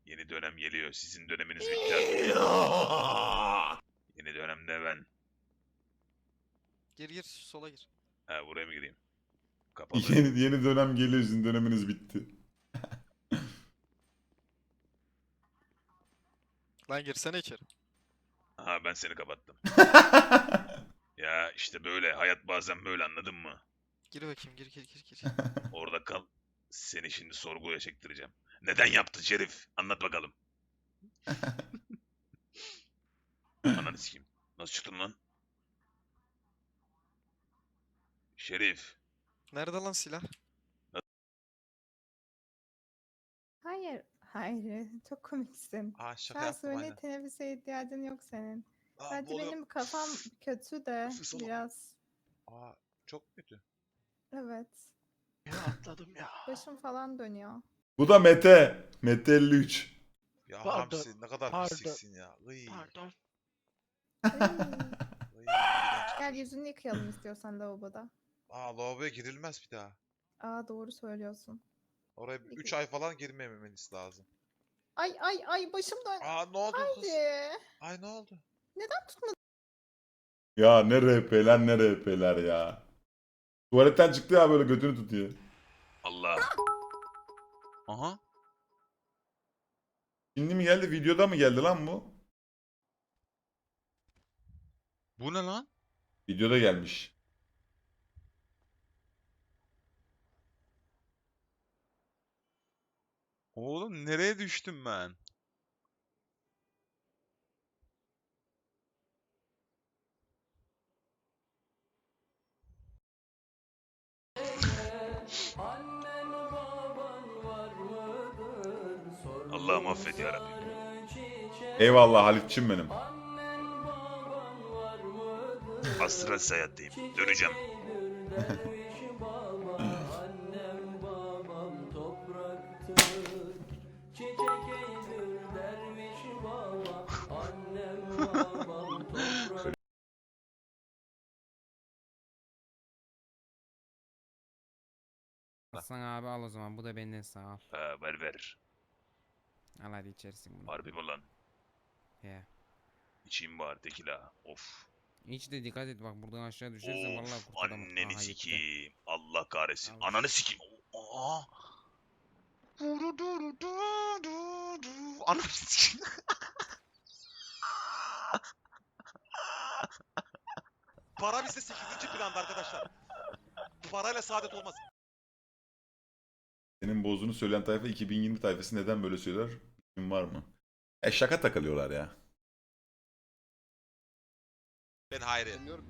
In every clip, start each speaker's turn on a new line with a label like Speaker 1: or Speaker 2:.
Speaker 1: Yeni dönem geliyor. Sizin döneminiz bitti artık. Yeni dönemde ben.
Speaker 2: Gir sola gir.
Speaker 1: Ha, buraya mı gireyim? Kapalı.
Speaker 3: Yeni dönem geliyor, sizin döneminiz bitti.
Speaker 2: Lan girsene içeri.
Speaker 1: Aha, ben seni kapattım. Ya işte böyle. Hayat bazen böyle, anladın mı?
Speaker 2: Gir bakayım gir.
Speaker 1: Orada kal. Seni şimdi sorguya çektireceğim. Neden yaptın Şerif? Anlat bakalım. Ananı sikeyim. Nasıl çıktın lan? Şerif.
Speaker 2: Nerede lan silah?
Speaker 4: Hayır, hayır. Çok komiksin.
Speaker 5: Aa
Speaker 4: Şu
Speaker 5: şaka
Speaker 4: an
Speaker 5: yaptım
Speaker 4: suni
Speaker 5: aynen.
Speaker 4: teneffüse ihtiyacın yok senin.
Speaker 5: Aa,
Speaker 4: Sadece
Speaker 5: bu oluyor.
Speaker 4: benim kafam kötü de
Speaker 5: Nefes alamam.
Speaker 4: biraz.
Speaker 5: Aa çok kötü.
Speaker 4: Evet.
Speaker 5: Ya atladım ya.
Speaker 4: Başım falan dönüyor.
Speaker 3: Bu da Mete. Mete 53.
Speaker 5: Ya
Speaker 6: Pardon,
Speaker 5: Hamsi ne kadar
Speaker 6: pardon,
Speaker 5: pisliksin ya. Iy,
Speaker 6: Pardon.
Speaker 4: Ay,
Speaker 5: iğrenç.
Speaker 4: Gel yüzünü yıkayalım istiyorsan lavaboda.
Speaker 5: Aa lavaboya girilmez bir daha.
Speaker 4: Aa doğru söylüyorsun.
Speaker 5: Oraya 3 ay falan girmememiz lazım.
Speaker 4: Ay başım dön.
Speaker 5: Aa ne oldu kız?
Speaker 4: Haydi.
Speaker 5: Ay ne oldu?
Speaker 4: Neden tutmadın?
Speaker 3: Ya ne RP'ler ne RP'ler ya. Tuvaletten çıktı ya, böyle götünü tutuyor.
Speaker 1: Allah. Aha.
Speaker 3: Şimdi mi geldi, videoda mı geldi lan bu?
Speaker 1: Bu ne lan?
Speaker 3: Videoda gelmiş.
Speaker 1: Oğlum nereye düştüm ben? Allah'ım affet yarabbim.
Speaker 3: Eyvallah Halitçim benim.
Speaker 1: Astral seyahatteyim. Döneceğim.
Speaker 7: Aslan abi al o zaman. Bu da benden sağ al.
Speaker 1: Ha, ver.
Speaker 7: Al hadi içersin bunu.
Speaker 1: Harbi mi lan?
Speaker 7: He.
Speaker 1: İçeyim bari tekila. Of.
Speaker 7: İç de dikkat et bak buradan aşağı düşersen vallahi
Speaker 1: Of.
Speaker 7: kurtaramam.
Speaker 1: Anneni
Speaker 7: Aha, gitti.
Speaker 1: sikeyim. Allah kahretsin.
Speaker 7: Al.
Speaker 1: Ananı sikeyim. Aa. Ananı sikeyim.
Speaker 5: Para bizde 8. planda arkadaşlar. Parayla saadet olmaz.
Speaker 3: Senin bozduğunu söyleyen tayfa 2020 tayfası neden böyle söyler? Kim var mı? Şaka takılıyorlar ya.
Speaker 5: Ben Hayri.
Speaker 6: Dinliyorum.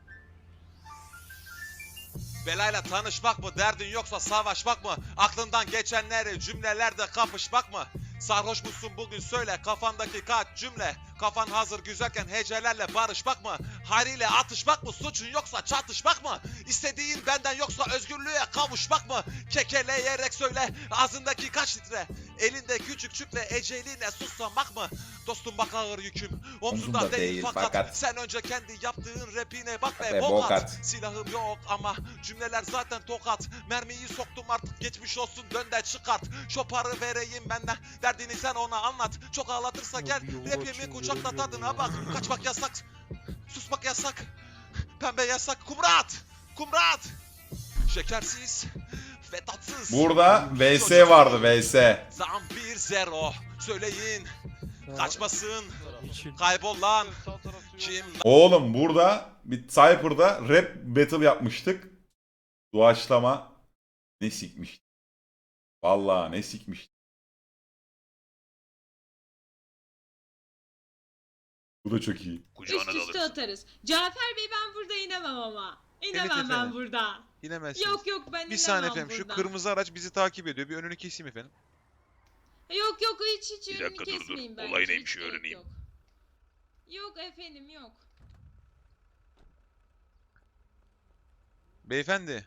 Speaker 5: Belayla tanışmak mı, derdin yoksa savaşmak mı? Aklından geçenleri cümlelerde kapışmak mı? Sarhoş musun bugün söyle kafandaki kaç cümle? Kafan hazır güzelken hecelerle barışmak mı? Hayriyle atışmak mı, suçun yoksa çatışmak mı? İstediğin benden yoksa özgürlüğe kavuşmak mı? Kekeleyerek söyle ağzındaki kaç litre? Elinde küçük çükle eceline susamak mı? Dostum bak ağır yüküm omzunda değil fakat sen önce kendi yaptığın rapine bak be bokat. Silahım yok ama cümleler zaten tokat. Mermiyi soktum artık geçmiş olsun dön de çıkart. Şoparı vereyim benden derdini sen ona anlat. Çok ağlatırsa gel rapimi kucakla tadına bak. Kaçmak yasak, susmak yasak. Pembe yasak, kumrat. Şekersiz ve tatsız.
Speaker 3: Burada VS vardı, VS.
Speaker 5: Zam 1-0 söyleyin. Kaçmasın. Kaybol lan. Kim
Speaker 3: Oğlum burada bir Cypher'da rap battle yapmıştık. Doğaçlama ne sikmiş. Vallahi ne sikmiş. Bu da çok iyi.
Speaker 1: Kucağına
Speaker 8: Üst
Speaker 1: da
Speaker 8: üste
Speaker 1: alırsın.
Speaker 8: atarız. Cafer Bey ben burada inemem ama. İnemem ben
Speaker 5: efendim.
Speaker 8: burada.
Speaker 5: İnemezsiniz.
Speaker 8: Yok ben
Speaker 5: Bir
Speaker 8: inemem
Speaker 5: saniye efendim şu
Speaker 8: burada.
Speaker 5: kırmızı araç bizi takip ediyor. Bir önünü keseyim efendim.
Speaker 8: Yok hiç
Speaker 1: Bir
Speaker 8: önünü
Speaker 1: dakika, dur.
Speaker 8: kesmeyin bence.
Speaker 1: Olay
Speaker 8: hiç
Speaker 1: neymiş,
Speaker 8: gerek
Speaker 1: öğreneyim.
Speaker 8: Yok. Yok efendim yok.
Speaker 5: Beyefendi.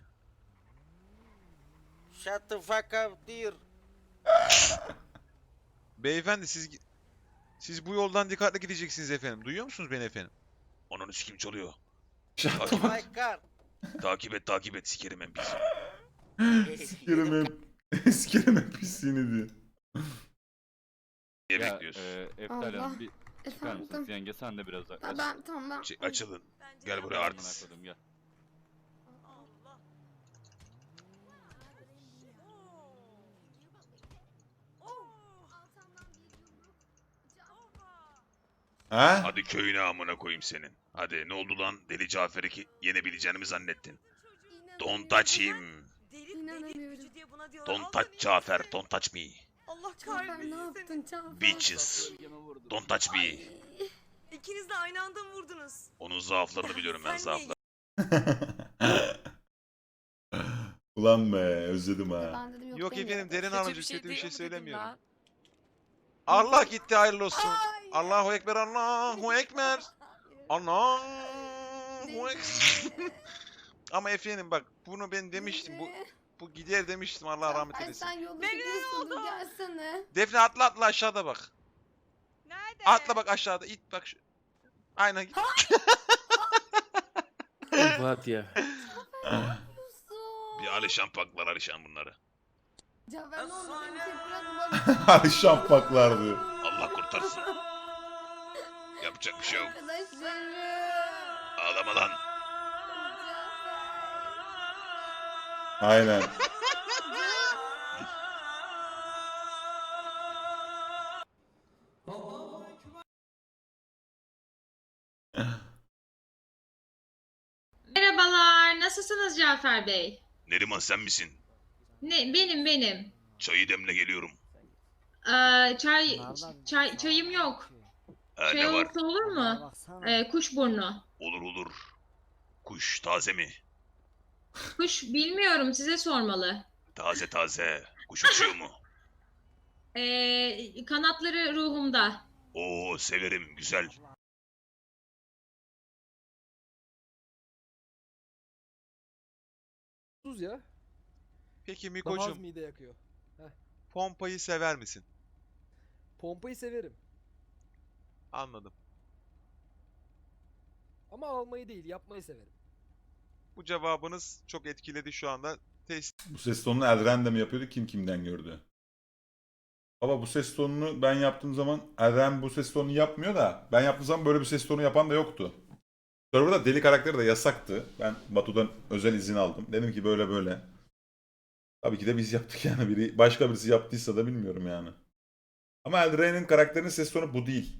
Speaker 6: Shut the fuck up dear.
Speaker 5: Beyefendi siz bu yoldan dikkatli gideceksiniz efendim. Duyuyor musunuz beni efendim?
Speaker 1: Ananı sikeyim, çalıyor.
Speaker 6: Oh my god.
Speaker 1: Takip et sikerim en pis.
Speaker 3: Sikerim hep. Sikerim hep pisliğini diyor.
Speaker 1: Niye bekliyorsun?
Speaker 9: Eftel
Speaker 10: Allah.
Speaker 9: Hanım bir çıkar mısınız?
Speaker 10: Efendim.
Speaker 9: Yenge sen de biraz yaklaş.
Speaker 10: Tamam.
Speaker 1: Açılın. Gel buraya
Speaker 9: Amına
Speaker 1: artist.
Speaker 9: koydum, gel.
Speaker 3: Ha?
Speaker 1: Hadi köyüne amına koyayım senin. Hadi ne oldu lan? Deli Cafer'i yenebileceğini mi zannettin? Don't touch him.
Speaker 10: İnanamıyorum.
Speaker 1: Don't touch Cafer. Don't touch me.
Speaker 8: Allah
Speaker 10: Cafer ne yaptın Cafer?
Speaker 1: Bitches. Don't touch me.
Speaker 8: İkiniz de aynı anda mı vurdunuz?
Speaker 1: Onun zaaflarını biliyorum ben zaaflarını.
Speaker 3: Ulan be özledim ha.
Speaker 10: Ben dedim yok,
Speaker 2: Yok
Speaker 10: demiyorum.
Speaker 2: efendim Derin Hanımcığım kötü bir şey
Speaker 8: demedim
Speaker 2: söylemiyorum.
Speaker 8: ben.
Speaker 2: Allah gitti hayırlı olsun. Allahu Ekber, Allahu Ekber. Allahu Ekber. Ama efendim bak bunu ben demiştim. Bu gider demiştim, Allah rahmet
Speaker 10: Cafer
Speaker 2: eylesin.
Speaker 10: sen yolda
Speaker 8: Ne
Speaker 10: gidiyorsundur
Speaker 8: oldu?
Speaker 10: gelsene.
Speaker 2: Defne atla aşağıda bak.
Speaker 8: Nerede?
Speaker 2: Atla bak aşağıda, it bak. Aynen git.
Speaker 6: Fatih.
Speaker 1: Bir Alişan paklar Alişan bunları.
Speaker 10: Cafer ne oldu beni tek bırakma.
Speaker 3: Hadi şampaklardı.
Speaker 1: Allah kurtarsın. Yapacak bir şey yok.
Speaker 10: Arkadaşlarım.
Speaker 1: Ağlama lan.
Speaker 3: Aynen.
Speaker 8: Merhabalar. Nasılsınız Cafer Bey?
Speaker 1: Neriman sen misin?
Speaker 8: Ne benim.
Speaker 1: Çayı demle geliyorum.
Speaker 8: Çayım yok. Şey
Speaker 1: Ne var?
Speaker 8: olsa olur mu? Kuşburnu.
Speaker 1: Olur olur. Kuş taze mi?
Speaker 8: Kuş bilmiyorum, size sormalı.
Speaker 1: Taze taze. Kuş uçuyor mu?
Speaker 8: Kanatları ruhumda.
Speaker 1: Oo severim güzel.
Speaker 11: Tuz ya.
Speaker 2: Peki
Speaker 11: Daha az
Speaker 2: Miko'cum,
Speaker 11: mide yakıyor.
Speaker 2: pompayı sever misin?
Speaker 11: Pompayı severim.
Speaker 2: Anladım.
Speaker 11: Ama almayı değil, yapmayı severim.
Speaker 2: Bu cevabınız çok etkiledi şu anda.
Speaker 3: Bu ses tonunu Elren de mi yapıyordu? Kim kimden gördü? Baba bu ses tonunu ben yaptığım zaman Elren bu ses tonunu yapmıyor da ben yaptığım zaman böyle bir ses tonu yapan da yoktu. Server'da deli karakteri de yasaktı. Ben Batu'dan özel izin aldım. Dedim ki böyle böyle. Tabii ki de biz yaptık yani. Başka birisi yaptıysa da bilmiyorum yani. Ama Elren'in karakterinin ses tonu bu değil.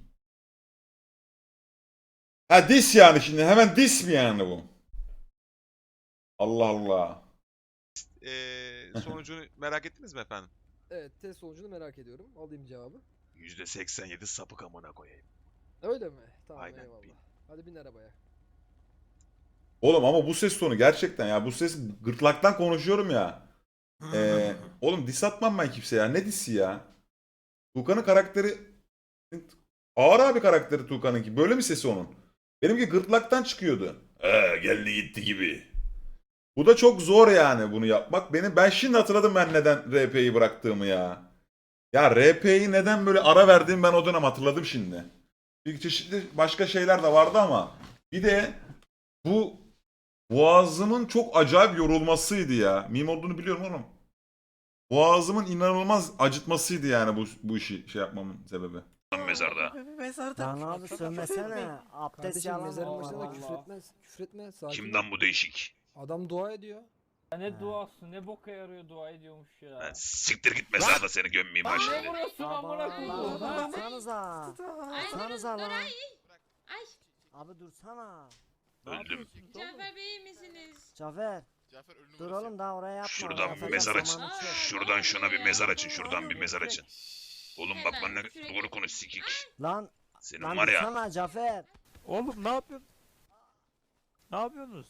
Speaker 3: Ha dis yani şimdi. Hemen dis mi yani bu? Allah Allah.
Speaker 2: Sonucunu merak ettiniz mi efendim?
Speaker 11: Evet, test sonucunu merak ediyorum. Alayım cevabı.
Speaker 1: %87 sapık amına koyayım.
Speaker 11: Öyle mi? Tamam,
Speaker 1: Aynen,
Speaker 11: eyvallah.
Speaker 1: bin.
Speaker 11: Hadi bin arabaya.
Speaker 3: Oğlum ama bu ses tonu gerçekten ya. Bu ses gırtlaktan konuşuyorum ya. Oğlum dis atmam ben kimseye ya. Ne disi ya? Tuğkan'ın karakteri ağır abi karakteri Tuğkan'ınki. Böyle mi sesi onun? Benimki gırtlaktan çıkıyordu. Geldi gitti gibi. Bu da çok zor yani bunu yapmak. Ben şimdi hatırladım ben neden RP'yi bıraktığımı ya. Ya RP'yi neden böyle ara verdiğimi ben o dönem hatırladım şimdi. Bir çeşitli başka şeyler de vardı ama bir de bu boğazımın çok acayip yorulmasıydı ya. Meme olduğunu biliyorum oğlum. Boğazımın inanılmaz acıtmasıydı yani bu işi şey yapmamın sebebi.
Speaker 1: Mezarda.
Speaker 6: Lan abi sövmesene. Abdest
Speaker 11: Kardeşim
Speaker 6: yalan
Speaker 11: mezarın başında da
Speaker 6: Allah.
Speaker 11: küfür etmez. Küfür etme. Sakin ol.
Speaker 1: Kimden bu değişik?
Speaker 11: Adam dua ediyor.
Speaker 6: Ne
Speaker 9: duası ne boka yarıyor dua ediyormuş ya.
Speaker 1: Ben siktir git mezarda seni gömmeyeyim ha şimdi.
Speaker 9: vuruyorsun
Speaker 6: Dursanıza.
Speaker 8: Ay,
Speaker 6: Dursanıza lan.
Speaker 8: Ay.
Speaker 6: Abi dursana.
Speaker 1: Öldüm.
Speaker 8: Cafer Bey iyi misiniz?
Speaker 6: Cafer. Dur oğlum daha oraya yapma.
Speaker 1: Şuradan
Speaker 6: Yapacak
Speaker 1: mezar açın.
Speaker 6: zamanı çok.
Speaker 1: Şuradan şuna bir mezar açın. Şuradan bir mezar açın. Oğlum bak benimle doğru konuş sikik.
Speaker 6: Lan.
Speaker 1: Senin
Speaker 6: Lan
Speaker 1: var ya.
Speaker 6: dursana Cafer.
Speaker 9: Oğlum ne yapıyorsun? Ne yapıyorsunuz?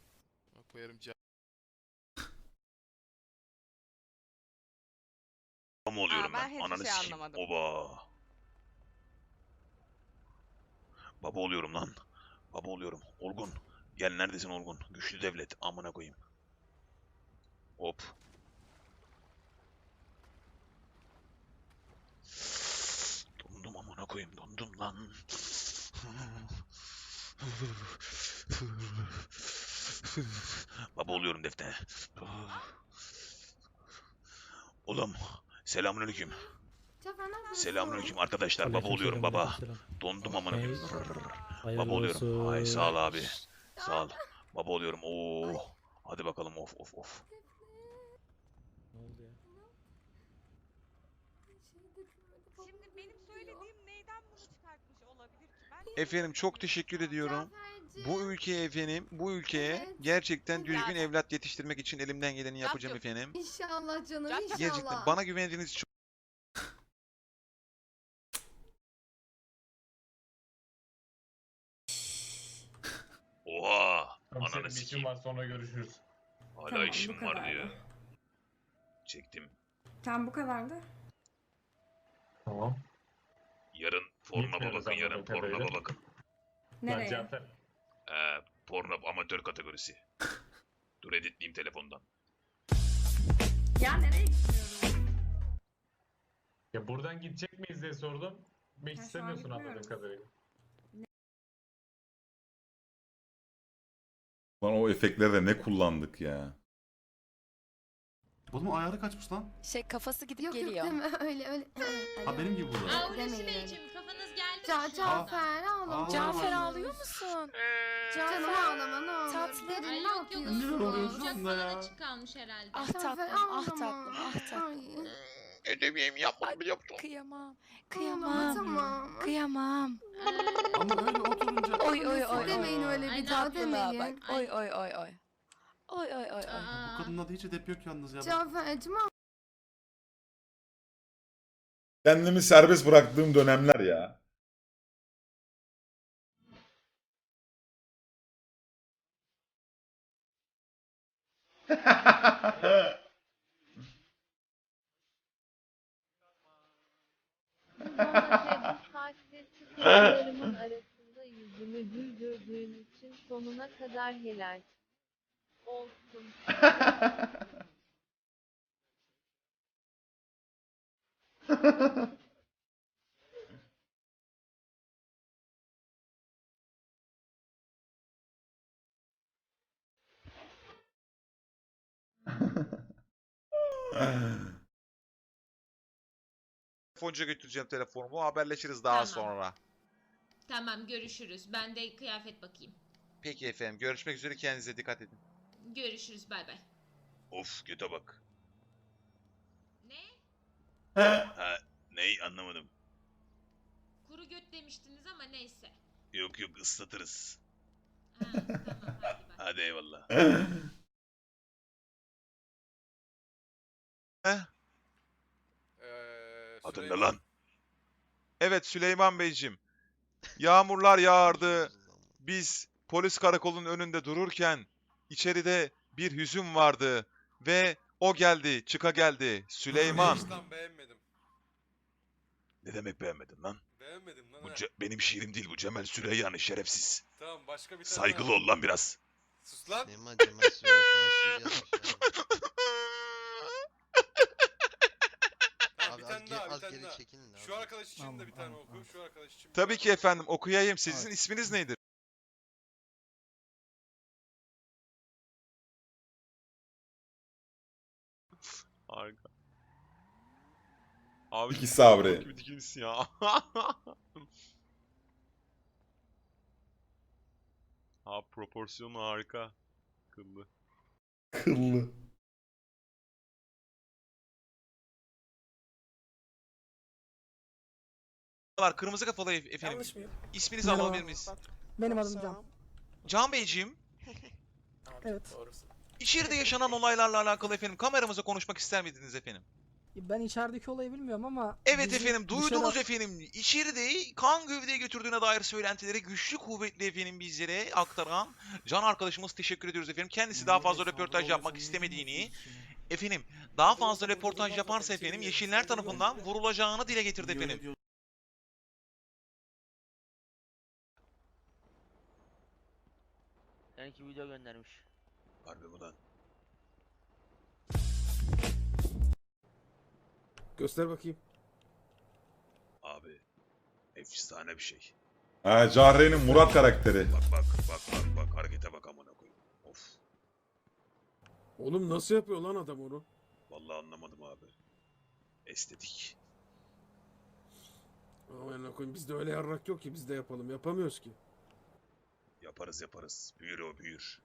Speaker 1: Baba mı oluyorum
Speaker 8: ben
Speaker 1: ben?
Speaker 8: hiçbir
Speaker 1: Ananı
Speaker 8: şey
Speaker 1: sikeyim.
Speaker 8: anlamadım.
Speaker 1: Oba. Baba oluyorum lan. Baba oluyorum. Olgun. Gel neredesin Olgun? Güçlü devlet. Amına koyayım. Hop. Dondum amına koyayım. Dondum lan. Baba oluyorum Defne. Oğlum. Selamünaleyküm.
Speaker 10: Cafer ne yapıyorsun?
Speaker 1: Selamünaleyküm arkadaşlar. Baba oluyorum baba. Dondum amına koyayım. Baba oluyorum. Ay sağ ol abi. Sağ ol. Baba oluyorum. Oo. Hadi bakalım of of of.
Speaker 8: Şimdi benim söylediğim neyden bunu çıkartmış olabilir ki?
Speaker 2: Efendim çok teşekkür ediyorum.
Speaker 10: Caferciğim.
Speaker 2: Bu ülkeye efendim, bu ülkeye
Speaker 10: Evet.
Speaker 2: gerçekten düzgün
Speaker 8: Zaten.
Speaker 2: evlat yetiştirmek için elimden geleni yapacağım efendim.
Speaker 10: İnşallah canım
Speaker 8: Cafer.
Speaker 10: inşallah.
Speaker 2: Gerçekten bana güvendiğiniz için
Speaker 1: Oha. Ananı sikeyim.
Speaker 12: var sonra görüşürüz.
Speaker 1: Hala
Speaker 8: Tamam,
Speaker 1: işim
Speaker 8: bu
Speaker 1: var
Speaker 8: kadardı.
Speaker 1: diyor. Çektim.
Speaker 8: Tam bu kadardı.
Speaker 12: Tamam.
Speaker 1: Yarın pornoba
Speaker 12: Gitmiyoruz
Speaker 1: bakın. Yarın
Speaker 12: anladığım
Speaker 1: pornoba
Speaker 12: kadarıyla.
Speaker 1: bakın.
Speaker 8: Nereye?
Speaker 12: Cafer.
Speaker 1: Porno amatör kategorisi. Dur editleyeyim telefondan.
Speaker 8: Ya nereye gitmiyorum?
Speaker 12: Ya buradan gidecek miyiz diye sordum. Gitmek
Speaker 8: şu an
Speaker 12: istemiyorsun
Speaker 8: gitmiyorum.
Speaker 12: anladığım kadarıyla.
Speaker 3: Lan o efektleri de ne kullandık ya.
Speaker 13: Oğlum ayarı kaçmış lan.
Speaker 10: Şey kafası gidip geliyor. Yok deme öyle.
Speaker 13: Ha benim gibi bu da.
Speaker 10: Demeyin öyle.
Speaker 8: kafanız geldi.
Speaker 10: Cafer ağlama.
Speaker 13: Cafer
Speaker 10: ağlıyor musun?
Speaker 4: Canım ağlama ne olur.
Speaker 10: Tatlı.
Speaker 4: Derin
Speaker 8: Ay
Speaker 4: ne
Speaker 8: yok yok.
Speaker 4: yapıyorsun?
Speaker 13: Neler oluyor şu anda ya?
Speaker 8: Açık kalmış herhalde.
Speaker 10: Ah
Speaker 4: Cafer,
Speaker 10: tatlım, ah
Speaker 4: ağlama.
Speaker 10: tatlım, ah tatlım.
Speaker 1: Ödevimi yapmadım yaptım.
Speaker 10: Kıyamam,
Speaker 4: Ağlama tamam.
Speaker 10: kıyamam.
Speaker 13: Ama öyle oturunca...
Speaker 10: Oy oy oy.
Speaker 4: Demeyin öyle
Speaker 8: Ay,
Speaker 4: bir
Speaker 8: ne
Speaker 4: daha
Speaker 10: Tatlılığa
Speaker 4: demeyin.
Speaker 10: bak. Oy oy oy oy. Oy oy oy oy.
Speaker 13: Bu kadının adı hiç edep yok yalnız ya.
Speaker 4: Cafer'cim
Speaker 3: Kendimi serbest bıraktığım dönemler ya.
Speaker 10: Kızlarımın arasında yüzümü güldürdüğün için sonuna kadar helal olsun.
Speaker 2: telefoncuya götüreceğim telefonumu. Haberleşiriz daha
Speaker 8: Tamam.
Speaker 2: sonra.
Speaker 8: Tamam görüşürüz. Ben de kıyafet bakayım.
Speaker 2: Peki efendim. Görüşmek üzere. Kendinize dikkat edin.
Speaker 8: Görüşürüz bay bay.
Speaker 1: Of göte bak.
Speaker 8: Ne?
Speaker 1: Ha ney anlamadım.
Speaker 8: Kuru göt demiştiniz ama neyse.
Speaker 1: Yok yok ıslatırız.
Speaker 8: Ha, tamam hadi bay.
Speaker 1: Hadi eyvallah. Adın ne lan?
Speaker 2: Evet Süleyman Beyciğim. Yağmurlar yağardı. Biz polis karakolunun önünde dururken içeride bir hüzün vardı ve o geldi, çıka geldi. Süleyman.
Speaker 12: Beğenmedim.
Speaker 1: Ne demek beğenmedin lan?
Speaker 12: Beğenmedim lan.
Speaker 1: Bu benim şiirim değil bu Cemal Süreyya'nın şerefsiz.
Speaker 12: Tamam başka bir
Speaker 1: Saygılı ol lan biraz.
Speaker 12: Sus lan.
Speaker 6: Cemal Süreyya sana şiir yazmış
Speaker 12: Tamam, bir tane daha, bir tane daha.
Speaker 6: çekilin
Speaker 12: Şu arkadaş için de bir tane oku. Şu arkadaş için.
Speaker 2: Tabii ki efendim okuyayım. Sizin isminiz neydi? Harika. Abi
Speaker 3: İki sabri.
Speaker 2: gibi dikilsin ya. Ha proporsiyonu harika. Kıllı.
Speaker 3: Kıllı.
Speaker 2: Kırmızı kafalı efendim.
Speaker 11: Yanlış mıyım?
Speaker 2: İsminizi alabilir miyiz?
Speaker 11: Benim adım Can.
Speaker 2: Can Beyciğim,
Speaker 11: Evet.
Speaker 2: içeride yaşanan olaylarla alakalı efendim kameramıza konuşmak ister miydiniz efendim?
Speaker 11: Ben içerideki olayı bilmiyorum ama...
Speaker 2: Evet
Speaker 11: bizi
Speaker 2: efendim duydunuz
Speaker 11: dışarı-
Speaker 2: efendim. İçeride kan gövdeye götürdüğüne dair söylentileri güçlü kuvvetli efendim bizlere aktaran Can arkadaşımız teşekkür ediyoruz efendim. Kendisi daha fazla röportaj yapmak istemediğini, efendim daha fazla röportaj yaparsa efendim Yeşiller tarafından vurulacağını dile getirdi efendim.
Speaker 6: Belki video göndermiş.
Speaker 1: Harbi mi lan?
Speaker 11: Göster bakayım.
Speaker 1: Abi. Efsane bir şey.
Speaker 3: Ha, Cahre'nin Murat karakteri.
Speaker 1: Bak harekete bak amına koyayım. Of.
Speaker 11: Oğlum nasıl yapıyor lan adam onu?
Speaker 1: Vallahi anlamadım abi. Estetik.
Speaker 11: Aman koyayım bizde öyle yarrak yok ki biz de yapalım. Yapamıyoruz ki.
Speaker 1: Yaparız yaparız. Büyür o büyür.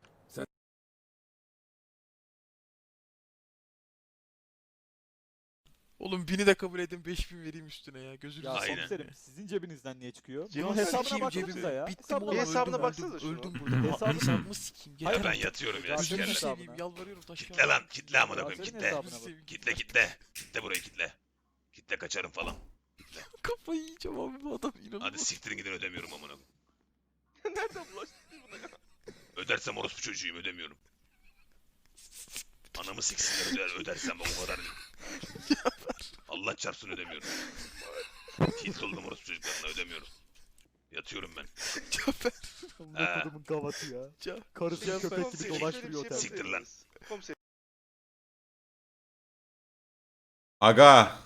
Speaker 9: Oğlum 1000'i de kabul edin 5000 vereyim üstüne ya. Gözünüzü
Speaker 1: Ya
Speaker 9: seveyim.
Speaker 1: komiserim,
Speaker 9: sizin cebinizden niye çıkıyor?
Speaker 1: Bunun
Speaker 9: Bunun hesabına baksanıza ya.
Speaker 7: Bittim oğlum,
Speaker 9: Bir hesabına
Speaker 7: öldüm,
Speaker 9: baksanıza
Speaker 7: öldüm,
Speaker 9: şunu.
Speaker 7: öldüm burada.
Speaker 9: Hesabına-
Speaker 7: Hesabımı sikeyim.
Speaker 1: Ya
Speaker 7: Yeter
Speaker 1: ben
Speaker 7: artık.
Speaker 1: yatıyorum ya
Speaker 9: Gözünü
Speaker 1: sikerler.
Speaker 9: seveyim,
Speaker 7: yalvarıyorum taş
Speaker 1: Kitle lan. Kitle amına koyayım
Speaker 9: Senin
Speaker 1: kitle.
Speaker 9: hesabına bak.
Speaker 1: Kitle kitle. Kitle burayı kitle. Kitle kaçarım falan.
Speaker 9: Kafayı yiyeceğim abi bu adam inanılmaz.
Speaker 1: Hadi siktirin gidin ödemiyorum amına koyayım.
Speaker 5: Nereden bulaştın buna ya?
Speaker 1: Ödersem orospu çocuğuyum ödemiyorum. Anamı siksinler ödersem o kadar değil. Allah çarpsın ödemiyorum. Tilt oldum orospu çocuklarına ödemiyorum. Yatıyorum ben.
Speaker 9: Cafer.
Speaker 1: He.
Speaker 9: Kodumun gavatı ya. Karısı köpek gibi dolaştırıyor otelde.
Speaker 1: Siktir lan.
Speaker 3: Aga.